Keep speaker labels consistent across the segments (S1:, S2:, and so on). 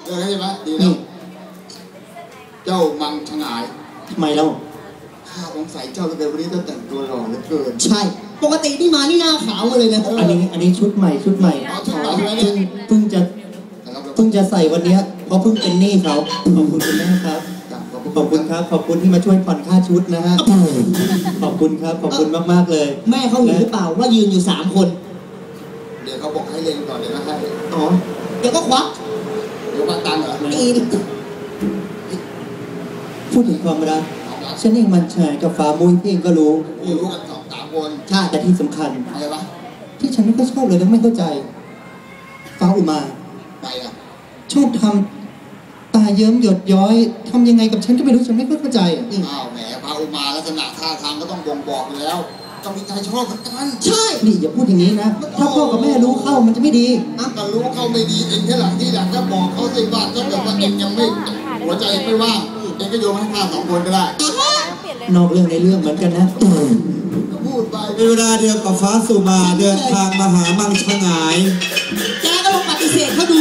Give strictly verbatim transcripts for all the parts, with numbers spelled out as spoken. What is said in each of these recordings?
S1: เลิกใช่ไหมดีแล้วเจ้ามังชงาย
S2: ทำไมเล่า
S1: ข้าสงสัยเจ้าตั้งแต่วันนี้ต้องแต่งตัวหล่อเหลือเกิน
S2: ใช่ปกติที่มานี่หน้าขาวมาเลยนะอันนี้อันนี้ชุดใหม่ชุดใหม่เพิ่งเพิ่งจะเพิ่งจะใส่วันนี้เพราะเพิ่งเป็นหนี้เขาขอบคุณคุณแม่ครับขอบคุณครับขอบคุณที่มาช่วยผ่อนค่าชุดนะฮะขอบคุณครับขอบคุณมากๆเลยแม่เขาเห็นหรือเปล่าว่ายืนอยู่สามคน
S1: เดี๋ยวเขาบอกให้เล็งก่อนเดี๋ยวก็ให้
S2: อ๋อเดี๋ยวก็ควัก
S1: เดี๋ยวมาตังเหรอ
S2: ตีพูดถึงความรักฉันเองมันแชร์กับฟ้ามุ้ยเองก็รู้
S1: รู้กันสองสามคน
S2: ใช่แต่ที่สำคัญ
S1: อะไรวะ
S2: ที่ฉันไม่ค่อยชอบเลยและไม่เข้าใจฟ้าอุมา
S1: ไปอ่ะ
S2: ชอบทำตาเยิ้มหยดย้อยทำยังไงกับฉันก็ไม่รู้ฉันไม่ค่อยเข้าใจอ่ะ
S1: อ้าวแหมฟ้าอุมาลักษณะท่าทางก็ต้องบ่งบอกอยู่แล้วต้องมีใจชอบเหมือนกัน
S2: ใช่นี่อย่าพูดอย่างนี้นะถ้าพ่อกับแม่รู้เข้ามันจะไม่ดี
S1: อ่ะก็รู้เข้าไม่ดีเองแค่หลังที่หลังก็บอกเขาสิว่าถ้าเกิดว่าเองยังไม่หัวใจไม่ว่างเองก็โยนให้ข้าสองคนก็ได้
S2: นอกเรื่องในเรื่องเหมือนกันนะ
S1: พูดไป
S3: ในเวลาเดียวกับฟ้าสุมาเดินทางมาหามังชงาย
S2: แกก็ลองปฏิเสธเขาดู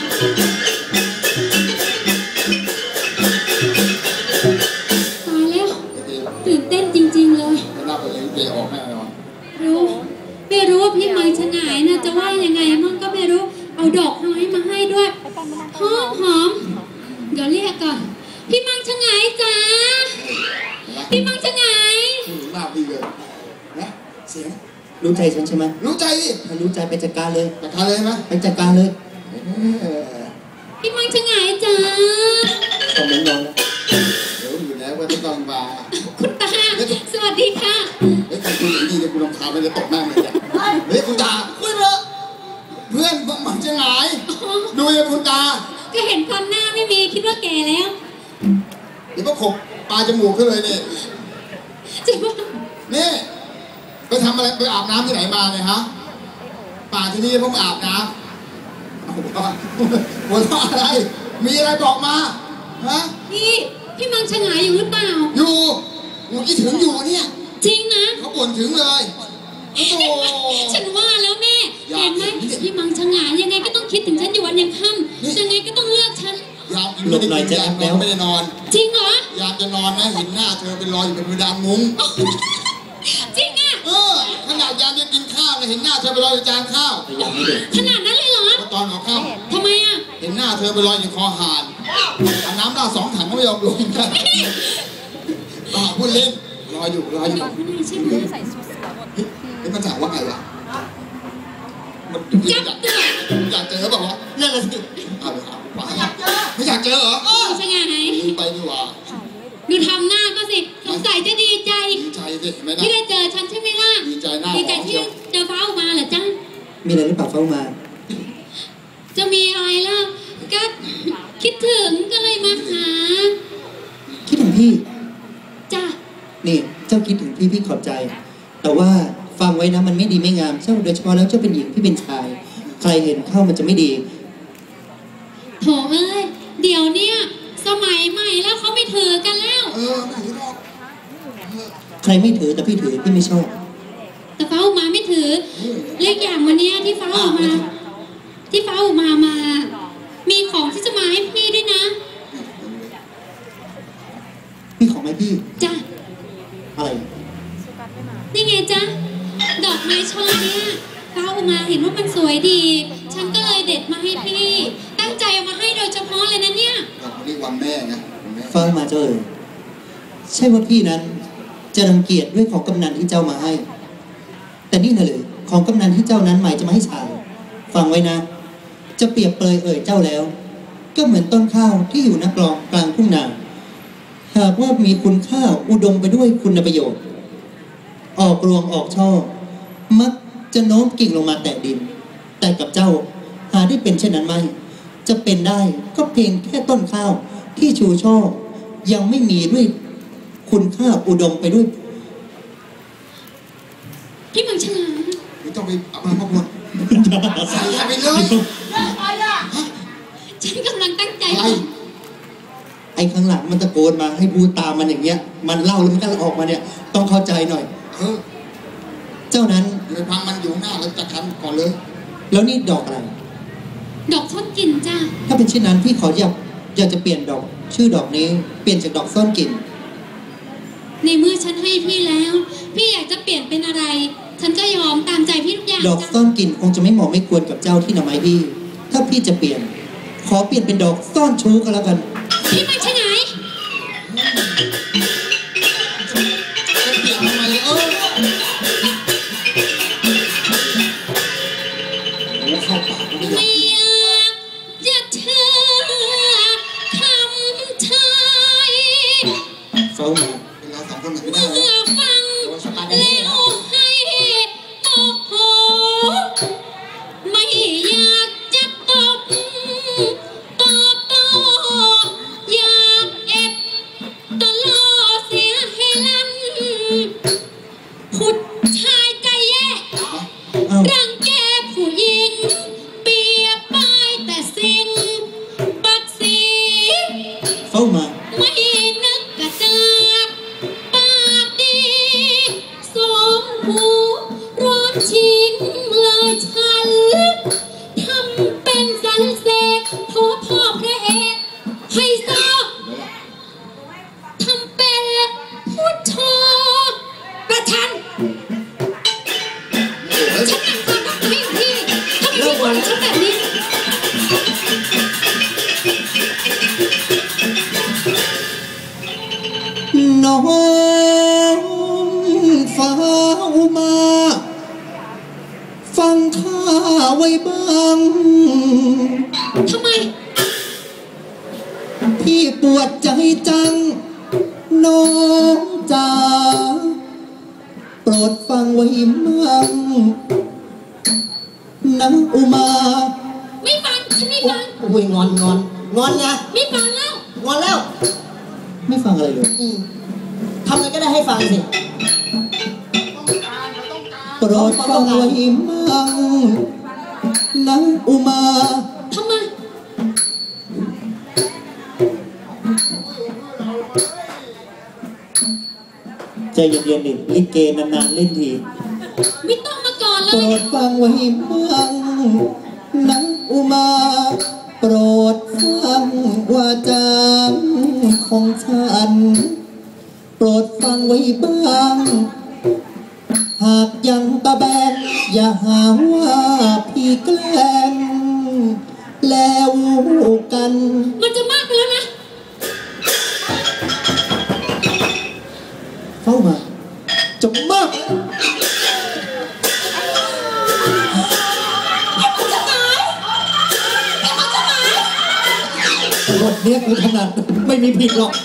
S4: ตายแล้วตื่นเต้นจริงๆเลย
S1: น่าไปเลี้ยงเกย์ออกแน่นอน
S4: รู้ไม่รู้ว่าพี่มังชงายนะจะว่ายังไงมั่งก็ไม่รู้เอาดอกไม้มาให้ด้วยหอมหอมเดี๋ยวเรียกก่อนพี่มังชงายจ้าพี่มังชงาย
S1: หน้าพี่เลยนะเสียง
S2: รู้ใจฉันใช่ไหม
S1: รู้ใจดิ
S2: ถ้ารู้ใจไปจัดการเลย
S1: จัดการเลยไหม
S2: ไปจัดการเลย
S4: พี่มังชงายจ้า
S2: คอมเมนต์นอน
S1: เดี๋ยวอยู่แล้วว่าต้องมา
S4: คุณตาสวัสดีค่ะ
S1: เฮ้ยคุณอย่างนี้เนี่ยคุณรำคาญไปเลยตกหน้าเลยเนี่ยเฮ้ยคุณตาคุยเถอะเพื่อนมังชงายดูยังคุณตา
S4: ก็เห็นความหน้าไม่มีคิดว่าแก่แล้ว
S1: เดี๋ยวก็ขบปลาจมูกขึ้นเลยเนี่ย
S4: จะว่า
S1: นี่ไปทำอะไรไปอาบน้ำที่ไหนมาเนี่ยฮะป่าที่นี่พวกอาบน้ำหัวหัวเราะอะไรมีอะไรบอกมาฮะ
S4: พี่พี่มังชงายอยู่หรือเปล่า
S1: อยู่อยู่คิดถึงอยู่เนี่ย
S4: จริงนะ
S1: เขาบ่นถึงเลยโอ้
S4: ฉันว่าแล้วแม่เห็นไหมพี่มังชงายยังไงก็ต้องคิดถึงฉันอยู่วันยังค่ำยังไงก็ต้องเลือกฉัน
S1: ยามไม่ได้กินยามแล้วไม่ได้นอน
S4: จริงเหรอย
S1: ามจะนอนนะเห็นหน้าเธอเป็นรอยอยู่เป็นเพดานมุ้ง
S4: จริงอ่ะ
S1: เออขนาดยามจะกินข้าวเลยเห็นหน้าเธอเป็นรอยอยู่จานข้าว
S4: ขนาดนั้นเลยเหรอ
S1: ตอนหัวค่
S4: ำทำไมอ่ะ
S1: เห็นหน้าเธอเป็นรอยอยู่คอหานเอาน้ำราดสองถังก็ไม่ยอมลงกันต่อพูดเล่นรอยอยู่รอยอยู่
S4: ใช่ไหม
S1: ใส่ชุดเฮ้ยมันจากว่าไงวะมันอยากอยากเจอแบบว่า
S2: นั่นแหละสิ
S1: เอาเลยครับไม่อยากเจอเหรอ
S4: ใช่ไง
S1: ไปดีกว่า
S4: ดูทำหน้าก็สิสงสัยจะดีใจ
S1: ดีใจสิ
S4: ที่ได้เจอฉันใช่ไหมล่ะ
S1: ดีใจหน้า
S4: ดีใจที่เจอฟ้ามาเหรอจ้า
S2: มีอะไรหรือเปล่าฟ้ามา
S4: จะมีอะไรล่ะก็คิดถึงก็เลยมาหา
S2: คิดถึงพี่
S4: จ้า
S2: นี่เจ้าคิดถึงพี่พี่ขอบใจแต่ว่าฟังไว้นะมันไม่ดีไม่งามเจ้าโดยเฉพาะแล้วเจ้าเป็นหญิงพี่เป็นชายใครเห็นเข้ามันจะไม่ดี
S4: โถเอ้ยเดี๋ยวเนี้ยสมัยใหม่แล้วเขาไม่ถือกันแล้ว
S1: เออไม่ถือหรอก
S2: ใครไม่ถือแต่พี่ถือพี่ไม่ชอบ
S4: แต่ฟ้าออกมาไม่ถือเลขอย่างวันนี้ที่ฟ้าออกมาที่ฟ้าออกมามามีของที่จะมาให้พี่ด้วยนะ
S2: มีของไหมพี่
S4: จ้ะ
S2: อะไร
S4: นี่ไงจ๊ะดอกไม้ช่อเนี้ยฟ้าออกมาเห็นว่ามันสวยดีฉันก็เลยเด็ดมาให้พี่ตั้งใจเอามาให้โดยเฉพาะเลยนะเนี่ย
S1: เรียกวันแม่ไง
S2: ฟังมาเจ้าเอ๋ยใช่ว่าพี่นั้นจะรังเกียจด้วยของกำนันที่เจ้ามาให้แต่นี่นะเลยของกำนันที่เจ้านั้นหมายจะมาให้ชายฟังไว้นะจะเปรียบเปรยเอ่ยเจ้าแล้วก็เหมือนต้นข้าวที่อยู่นักกลองกลางทุ่งนาหากว่ามีคุณค่าอุดมไปด้วยคุณประโยชน์ออกรวงออกช่อมักจะโน้มกิ่งลงมาแตะดินแต่กับเจ้าหาได้เป็นเช่นนั้นไหมจะเป็นได้ก็เพียงแค่ต้นข้าวที่ชูช่อยังไม่มีด้วยคุณค่าอุดมไปด้วย
S4: พี่มังชงาย
S1: ไม่ต้องไปเอามาพ่อพลใส่ไปเลย
S4: ฉันกำลังตั้งใจ
S2: ไอ้ข้างหลังมันตะโกนมาให้พูดตามมันอย่างเงี้ยมันเล่าแล้วมันก็ออกมาเนี่ยต้องเข้าใจหน่อย
S1: เออ
S2: เจ้านั้น
S1: เลยพังมันอยู่หน้าแล้วจะคันก่อนเลย
S2: แล้วนี่ดอกอะไร
S4: ดอกซ่อนกลิ่นจ้า
S2: ถ้าเป็นเช่นนั้นพี่ขออยากอยากจะเปลี่ยนดอกชื่อดอกนี้เปลี่ยนจากดอกซ่อนกลิ่น
S4: ในเมื่อฉันให้พี่แล้ว พี่อยากจะเปลี่ยนเป็นอะไร ฉันก็ยอมตามใจพี่ทุกอย่าง
S2: ดอก
S4: จ้ะ
S2: ซ่อนกลิ่นคงจะไม่เหมาะไม่ควรกับเจ้าที่นำมาให้พี่ ถ้าพี่จะเปลี่ยน ขอเปลี่ยนเป็นดอกซ่อนชู้ก็แล้วกัน
S4: พี่มาใช่ไหม
S1: จะเปลี่ยนทำไมเออโอ้เข้าปากกูไม่ได้
S4: ไม่อยากจะเชื่อคำชาย
S2: เฝ้ามา
S1: เป็นเราสองคนหนักไม่ได้
S4: เมื่
S1: แล้ว
S4: อฟังแล้วให้โอ้โหไม่อยากจะตบตอบโต้อยากเอ็ดตะล่อเสียให้ลั่นผู้ชายใจแย่
S2: เอ้า
S4: รังแกผู้หญิงเปียบป้ายแต่สิ่งบัดสี
S2: เฝ้ามา
S4: ไม่นึกกระจากปากดีสองหูร้อนชิ้นเลยฉันทำเป็นสันเสกโทพ่อพระเอกให้ซอทำเป็นผู้ชอประชัน ฉันหนักความรักให้พี่ทำไมพี่บอกฉันแบบนี้
S2: น้องฟ้าอุมา ฟังข้าไว้บ้าง
S4: ทำไม
S2: พี่ปวดใจจัง น้องจ๋าโปรดฟังไว้มั่งนะอุมา
S4: ไม่ฟัง ฉันไม่ฟัง
S5: โอ้ยงอนงอนงอนนะ
S4: ไม่ฟังแล้ว
S5: งอนแล้ว
S2: ไม่ฟังอะไรเลย
S5: อืมทำอะไรก็ได้ให้ฟังสิ
S2: โปรดฟังไว้มั่งนะอุมา
S4: ทำไม
S2: ใจเย็นๆดิลิเกนานๆเล่นที
S4: ไม่ต้องมาก่อนเล
S2: โปร
S4: ย
S2: ดฟังไว้มั่งนะอุมา โปรดฟังวาจาของฉัน โปรดฟังไว้บ้าง หากยังตะแบงอย่าหาว่าพี่แกล้งแล้วกัน
S4: มันจะมากไปแล้วนะ
S2: เข้ามาจะมากบทเนี้ยคือถนัดไม่มีผิดหรอก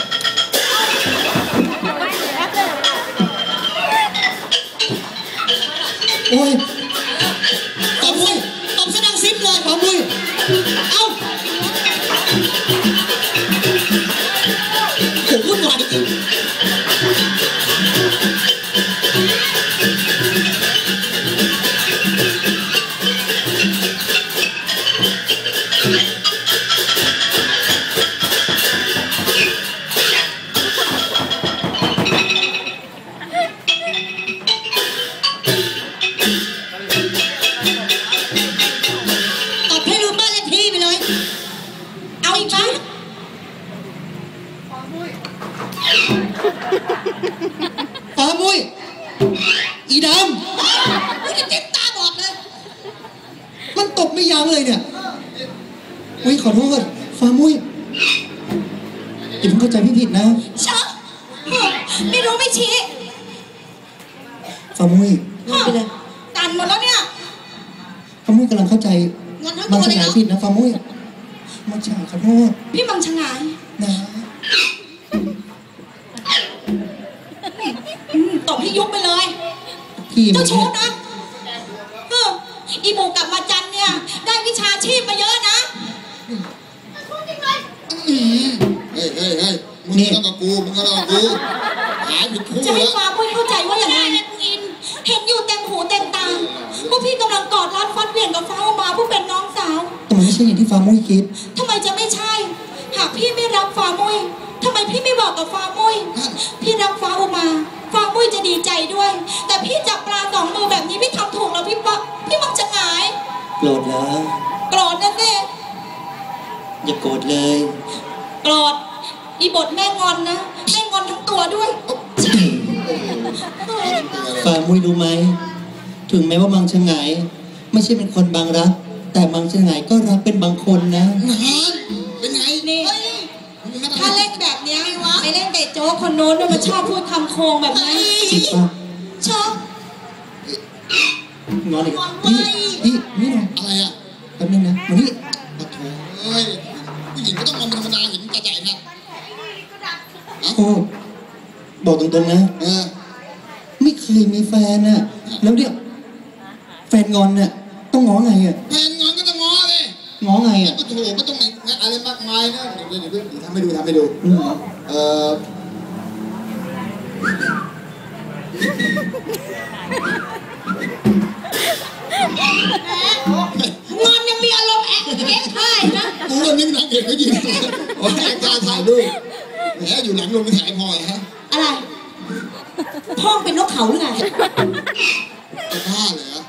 S2: โอ้ย
S5: ตบเลยตบซะดังซิปเลย
S2: ปามุย
S5: เอ้าโหวุ่นวายจริงตบให้รู้บ้านเลขที่ไปเลย เอาอีกไหม
S2: ปามุย อีด
S5: กูจะจิ้มตาบอดเลย
S2: ำมันตบไม่ยั้งเลยเนี่ยอุ้ยขอโทษฟามุยอย่าเพิ่งเข้าใจพี่ผิดนะ
S5: เชอะไม่รู้ไม่ชี้
S2: ฟามุย
S5: ไปเลยตันหมดแล้วเนี่ย
S2: ฟามุยกำลังเข้าใจ
S5: งอนทั้ง
S2: มั
S5: ตั
S2: ง
S5: ว
S2: ส
S5: เลย
S2: งาย
S5: เนาะ
S2: ผิดนะฟามุยมังสงายขอโทษ
S5: พี่มังชงาย
S2: นะ
S5: อืมตบให้ยุบไปเลย
S2: พี่มึ
S5: เจ้าง ชู้
S2: เนี่ย
S5: นะเอออีหมูกลับมาจันเนี่ย ได้วิชาชีพมาเยอะนะ
S1: อืมเฮ้ยเฮ้ยเฮ้ยมึงก็ต้องกับกูมึงก็ต้องกับกูหายผิดคู่
S5: จะให้
S1: แล้ว
S5: ฟ้าพุ้ยเข้าใจว่าอย่างไรอิน เห็นอยู่เต็มหูเต็มตาว่าพี่กำลังกอดรัดฟัดเหวี่ยงกับฟ้าออกมาผู้เป็นน้องสาว
S2: แต่มันไม่ใช่อย่างที่ฟามุยคิด
S5: ทำไมจะไม่ใช่ หากพี่ไม่รับฟ้ามุ้ยทำไมพี่ไม่บอกกับฟ้ามุ้ยพี่รับฟ้าออกมา ฟ้ามุ้ยจะดีใจด้วย แต่พี่จับปลาสองมือแบบนี้พี่ทำถูกแล้วพี่ปะพี่มักจะหงาย
S2: โกรธเหรอ
S5: โกรธนะสิ
S2: อย่าโกรธเลย
S5: โกรธอีบทแม่งอนนะแม่งอนทั้งตัวด้วย
S2: ฝ่ามุ้ยรู้ไหม ถึงแม้ว่ามังชงายไม่ใช่เป็นคนบางรัก แต่มังชงายก็รักเป็นบางคนนะ
S1: นานเป็นไง
S5: นี่ถ้าเล่นแบบเนี้ยไปเล่นแต่โจ๊กคนโน้นด้วยมันชอบพูดคำโคงแบบนั้น
S2: จริงปะ
S5: ชอบ
S2: งอนอีกพี่พี่นี่นะ
S1: อะไรอ่ะ
S2: แป๊บนึงนะมานี่
S1: ปะโถเอ้ยผู้หญิงก็ต้องมองเป็นธรรมดาเห็นกระจายนะ
S2: โอ้บอกตรงๆนะ
S1: เออ
S2: ไม่เคยมีแฟนน่ะ แล้วเนี่ยแฟนงอนน่ะต้องง้อไงอ่ะ
S1: แฟนงอนก็ต้องง้อเลย
S2: ง้อไงอ่ะ
S1: ปะโถไม่ต้องไหนอะไรมากมายนะเดี๋ยวเดี๋ยวเดี๋ยวทำให้ดูทำให้ดู
S2: อืม
S1: เออง
S5: อนยังมีอารมณ์แอ๊ะแอ๊ะได้นะ
S1: กูก็นึกนางเอกเขายืนโอ้ยการถ่ายรูปแหมอยู่หลังโรงถ่ายพอฮะ
S5: อะไรพ่องเป็นนกเขาหรือไง
S1: จะบ้าเหรอ